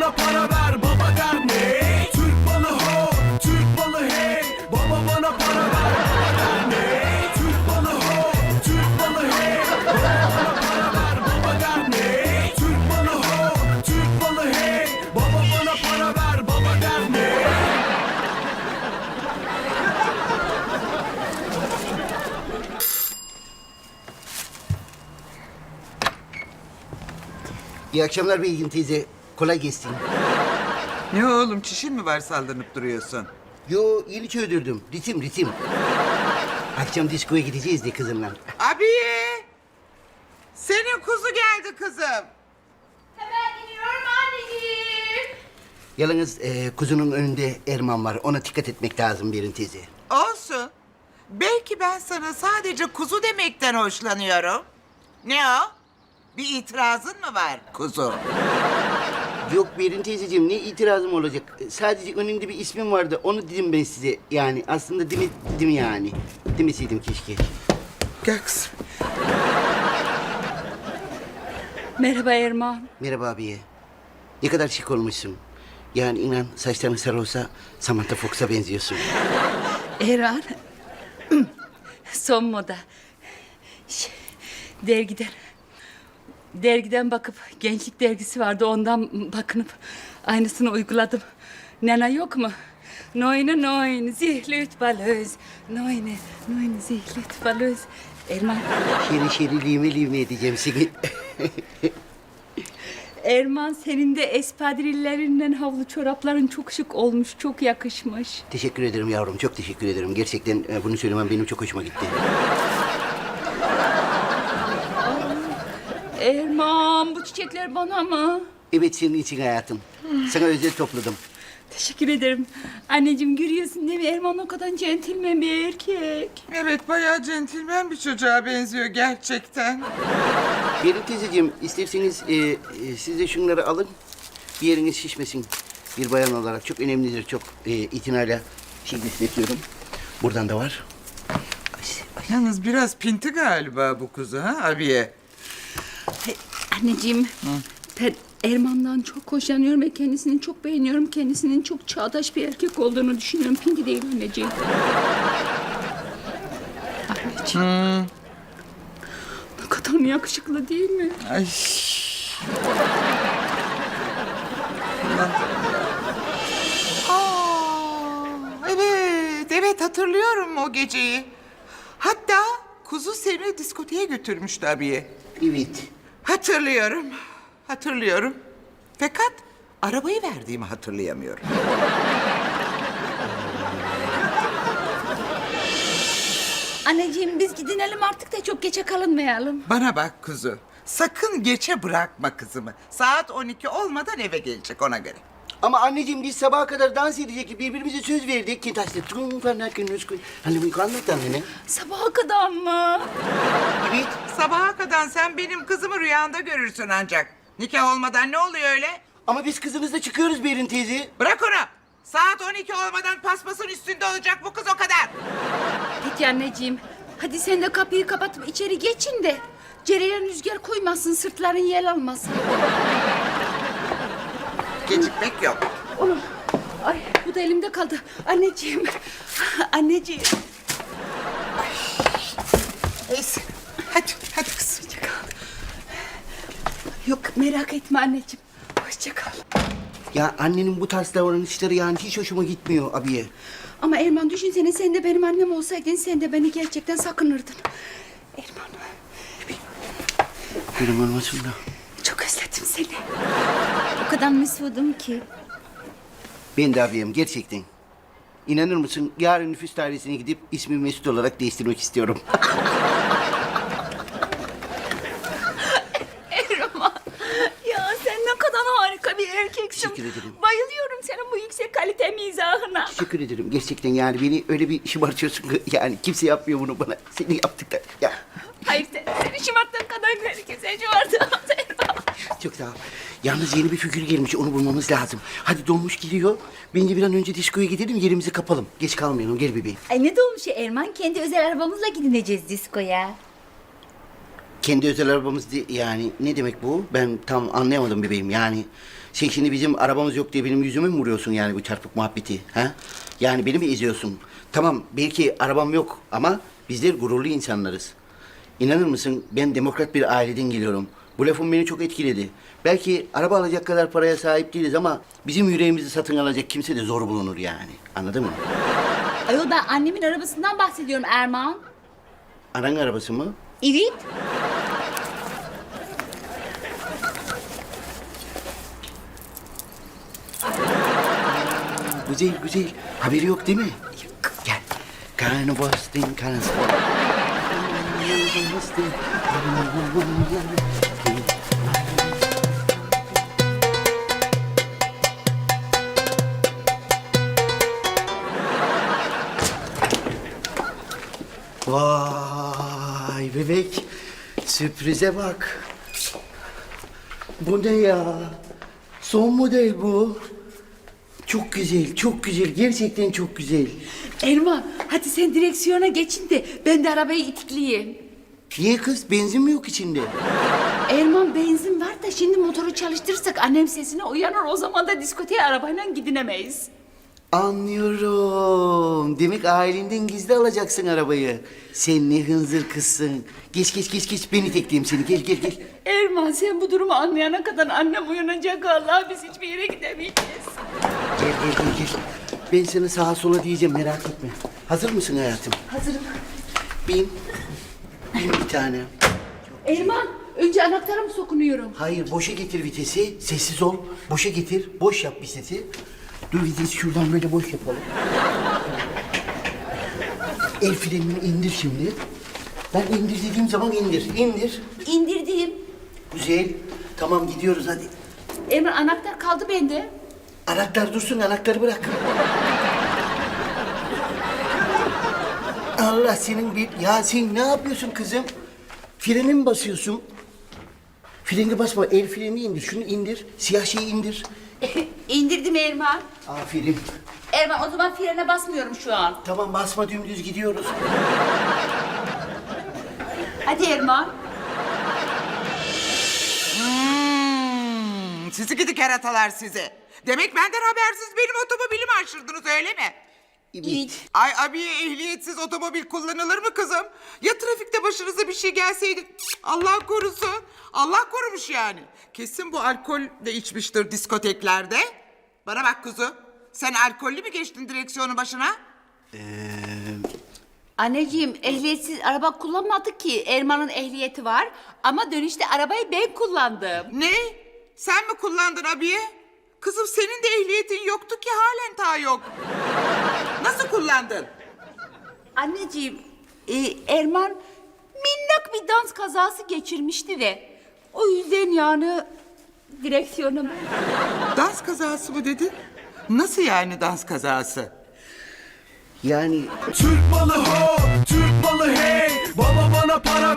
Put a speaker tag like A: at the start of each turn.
A: bana para ver, baba der ne? Türk balı ho, Türk balı hey. Baba bana para ver, baba der ne? Türk balı ho, Türk balı hey. Baba bana para ver, baba der ne? Türk balı ho, Türk balı hey. Baba bana para ver, baba der ne?
B: İyi akşamlar Beygin teyze. Kolay gelsin.
C: Ne oğlum, çişin mi var sallanıp duruyorsun?
B: Yo yeni çözdürdüm. Ritim. Akşam diskoya gideceğiz de kızımla.
C: Abiye! Senin kuzu geldi kızım.
D: Hemen gidiyorum anneciğim.
B: Yalnız kuzunun önünde Erman var. Ona dikkat etmek lazım Berin teyze.
C: Olsun. Belki ben sana sadece kuzu demekten hoşlanıyorum. Ne o? Bir itirazın mı var kuzu?
B: Yok Berin teyzeciğim ne itirazım olacak? Sadece önünde bir ismim vardı. Onu dedim ben size. Yani aslında demedim yani. Demeseydim keşke.
C: Gel kızım.
D: Merhaba Erman.
B: Merhaba abiye. Ne kadar şık olmuşsun. Yani inan saçların sarı olsa Samantha Fox'a benziyorsun.
D: Erman. Son moda. Dergiden bakıp gençlik dergisi vardı ondan bakınıp aynısını uyguladım. Nena yok mu? Neune neun zihlet balöz. Neune zihlet balöz. Erman.
B: Şeri lime edeceğim seni.
D: Erman senin de espadrillerinden havlu çorapların çok şık olmuş, çok yakışmış.
B: Teşekkür ederim yavrum. Çok teşekkür ederim. Gerçekten bunu söylemem benim çok hoşuma gitti.
D: Erman bu çiçekler bana mı?
B: Evet senin için hayatım. Sana özel topladım.
D: Teşekkür ederim. Anneciğim görüyorsun değil mi? Erman o kadar centilmen bir erkek.
C: Evet, bayağı centilmen bir çocuğa benziyor gerçekten.
B: Berin teyzeciğim isterseniz siz de şunları alın. Bir yeriniz şişmesin. Bir bayan olarak çok önemlidir. Çok itinayla besletiyorum. Buradan da var.
C: Yalnız biraz pinti galiba bu kuzu ha abiye?
D: Anneciğim ben Erman'dan çok hoşlanıyorum ve kendisini çok beğeniyorum. Kendisinin çok çağdaş bir erkek olduğunu düşünüyorum. Pinti değil anneciğim. Anneciğim. Ne kadar yakışıklı değil mi?
C: Ay. Evet hatırlıyorum o geceyi. Hatta kuzu seni diskoteye götürmüştü abiye.
B: Evet.
C: Hatırlıyorum. Fakat arabayı verdiğimi hatırlayamıyorum.
D: Anneciğim biz gidinelim artık da çok geçe kalınmayalım.
C: Bana bak kuzu, sakın geçe bırakma kızımı. Saat 12 olmadan eve gelecek ona göre.
B: Ama anneciğim biz sabaha kadar dans edecektik. Birbirimize söz verdik. Kintaş'ta tüm falan Hani bu anlat annene.
D: Sabaha kadar mı?
B: Evet.
C: Sabaha kadar sen benim kızımı rüyanda görürsün ancak. Nikah olmadan ne oluyor öyle?
B: Ama biz kızımızla çıkıyoruz Berin teyze.
C: Bırak onu. Saat 12 olmadan paspasın üstünde olacak bu kız o kadar.
D: Peki anneciğim. Hadi sen de kapıyı kapatıp içeri geçin de cereyan rüzgar koymasın, sırtların yel almasın.
C: Gecikmek yok.
D: Oğlum, ay bu da elimde kaldı. Anneciğim, anneciğim.
C: Neyse. Hadi kızım.
D: Hoşça kal. Yok merak etme anneciğim. Hoşça kal.
B: Ya annenin bu tarz davranışları yani hiç hoşuma gitmiyor abiye.
D: Ama Erman düşünsene sen de benim annem olsaydın sen de beni gerçekten sakınırdın. Erman.
B: Benim olmasın da.
D: Çok özledim seni. O kadar mesudum ki.
B: Ben de abiyim gerçekten. İnanır mısın yarın nüfus dairesine gidip ismimi Mesut olarak değiştirmek istiyorum.
D: Erman. Ya sen ne kadar harika bir erkeksin.
B: Teşekkür ederim.
D: Bayılıyorum senin bu yüksek kalite mizahına.
B: Teşekkür ederim gerçekten yani beni öyle bir şımartıyorsun ki yani kimse yapmıyor bunu bana. Seni yaptık da ya.
D: Hayır seni şımarttığın kadar herkese şımarttım.
B: Çok sağ ol. Yalnız yeni bir figür gelmiş onu bulmamız lazım. Hadi dolmuş gidiyor. Bence bir an önce diskoya gidelim yerimizi kapalım. Geç kalmayalım gel bebeğim.
E: Ay ne dolmuş ya Erman? Kendi özel arabamızla gidineceğiz diskoya.
B: Kendi özel arabamız yani ne demek bu? Ben tam anlayamadım bebeğim yani. Sen şimdi bizim arabamız yok diye benim yüzüme mi vuruyorsun yani bu çarpık muhabbeti? Ha? Yani beni mi eziyorsun? Tamam belki arabam yok ama bizler gururlu insanlarız. İnanır mısın ben demokrat bir aileden geliyorum. Bu lafım beni çok etkiledi. Belki araba alacak kadar paraya sahip değiliz ama bizim yüreğimizi satın alacak kimse de zor bulunur yani. Anladın mı?
E: Ayol ben annemin arabasından bahsediyorum Erman.
B: Anan arabası mı?
E: Evet.
B: Güzel güzel. Haberi yok değil mi? Yok. Gel. Karnabostin, karnabostin. Vay bebek. Sürprize bak. Bu ne ya? Son model bu. Çok güzel, çok güzel. Gerçekten çok güzel.
D: Erman hadi sen direksiyona geçin de ben de arabayı itikleyeyim.
B: Niye kız? Benzin mi yok içinde?
D: Erman benzin var da şimdi motoru çalıştırırsak annem sesine uyanır. O zaman da diskoteye arabayla gidinemeyiz.
B: Anlıyorum. Demek ailenden gizli alacaksın arabayı. Sen ne hınzır kızsın. Geç geç geç geç. Ben itekleyeyim seni. Gel gel gel.
D: Erman sen bu durumu anlayana kadar annem uyanacak. Allah biz hiçbir yere gidemeyeceğiz.
B: Gel gel gel gel. Ben sana sağa sola diyeceğim merak etme. Hazır mısın hayatım?
D: Hazırım.
B: Bin. Bin bir tane.
D: Erman önce anahtara mı sokunuyorum?
B: Hayır boşa getir vitesi. Sessiz ol. Boşa getir. Boş yap vitesi. Dur vitesi şuradan böyle boş yapalım. El frenini indir şimdi. Ben indir dediğim zaman indir. İndir.
E: İndirdim.
B: Güzel. Tamam gidiyoruz hadi.
D: Erman anahtar kaldı bende.
B: Anahtar dursun, anahtarı bırak. Allah senin bir... Ya sen ne yapıyorsun kızım? Freni mi basıyorsun? Freni basma, el freni indir. Şunu indir, siyah şeyi indir.
E: İndirdim Erman.
B: Aferin.
E: Erman o zaman frene basmıyorum şu an.
B: Tamam basma, dümdüz gidiyoruz.
E: Hadi Erman.
C: Sizi gidi keratalar sizi. Demek benden habersiz benim otomobilimi aşırdınız öyle mi?
B: Evet.
C: Ay abiye ehliyetsiz otomobil kullanılır mı kızım? Ya trafikte başınıza bir şey gelseydi? Cık, Allah korusun. Allah korumuş yani. Kesin bu alkol de içmiştir diskoteklerde. Bana bak kuzu. Sen alkollü mü geçtin direksiyonun başına?
E: Anneciğim ehliyetsiz araba kullanmadık ki. Erman'ın ehliyeti var. Ama dönüşte arabayı ben kullandım.
C: Ne? Sen mi kullandın abiye? Kızım senin de ehliyetin yoktu ki halen ta yok. Nasıl kullandın?
E: Anneciğim Erman minnak bir dans kazası geçirmişti de. O yüzden yani direksiyonum.
C: Dans kazası mı dedin? Nasıl yani dans kazası?
B: Yani
A: Türk malı ho, Türk malı hey. Baba bana para